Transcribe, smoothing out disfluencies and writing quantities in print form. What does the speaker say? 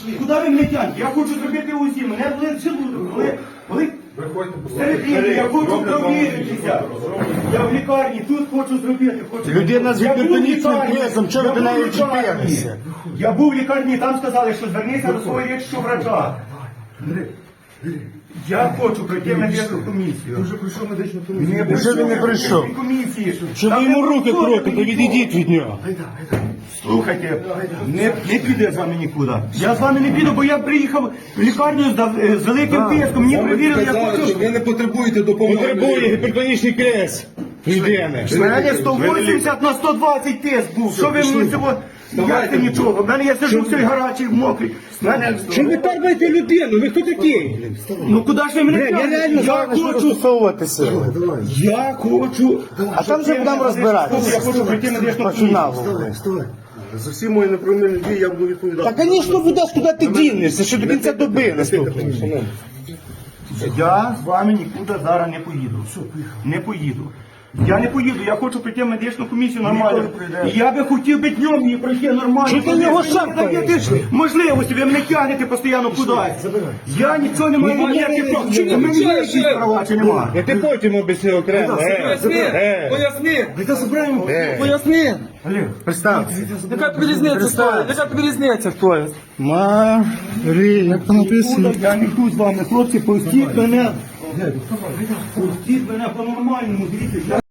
Куди ви мене тянете? Я хочу зробити УЗІ. Мене болить желудок. Коли середини, я хочу провіритися. Я в лікарні, тут хочу зробити. Людина з Я був в гіпертонічним лікарні. кризом, чого ви до Я неї був в лікарні. чіпилися? Я був в лікарні, там сказали, що звернися до свого лікарського врача. Я хочу пройти медичну комісію. Ти вже прийшов медичну комісію. Вже він не прийшов. Комісії. Що ви Там йому не руки проходить крутите, нікого. відійдіть від нього. Слухайте, не піде з вами нікуди. Я з вами не піду, бо я приїхав в лікарню з великим тиском. Мені перевірили, я Казали, що хочу. ви не потребуєте допомоги. Потребує гіпертонічний криз. Людини. У мене 180 на 120 тиск був. Що ви мені цього? Я це нічого. В мене я сижу все гарячий, мокрий. В мене... Чим ви тарбаєте людину? Ви хто такий? Ну куди ж ви мене Я тягнете? реально Я хочу хочу. застосовуватися. Я хочу. А там вже будемо розбиратися. Я хочу прийти на медичну По комісію. фіналу. Вставай. За всі мої неправильні дії я буду відповідати. Та, звісно, будеш, куди ти дінешся, що до кінця доби наступної. Я з вами нікуди зараз не поїду. Не поїду. Я не поїду, я хочу прийти в медичну комісію нормально. І я би хотів би днем її пройти нормально. Чи ти його шапкаєш? даєте ж можливості, ви мене тягнете постійно кудись. Я нічого не маю ніяких прав. Чи в мене є якісь права, чи немає? Я ти потім об'ясню окремо. Поясни! Та забираємо. Поясни! Представте. Яка тобі різниця стоїть? Яка тобі різниця стоїть? Марі, як там написано? Я не йду з вами, хлопці, пустіть мене. Пустіть мене по-нормальному, дивіться.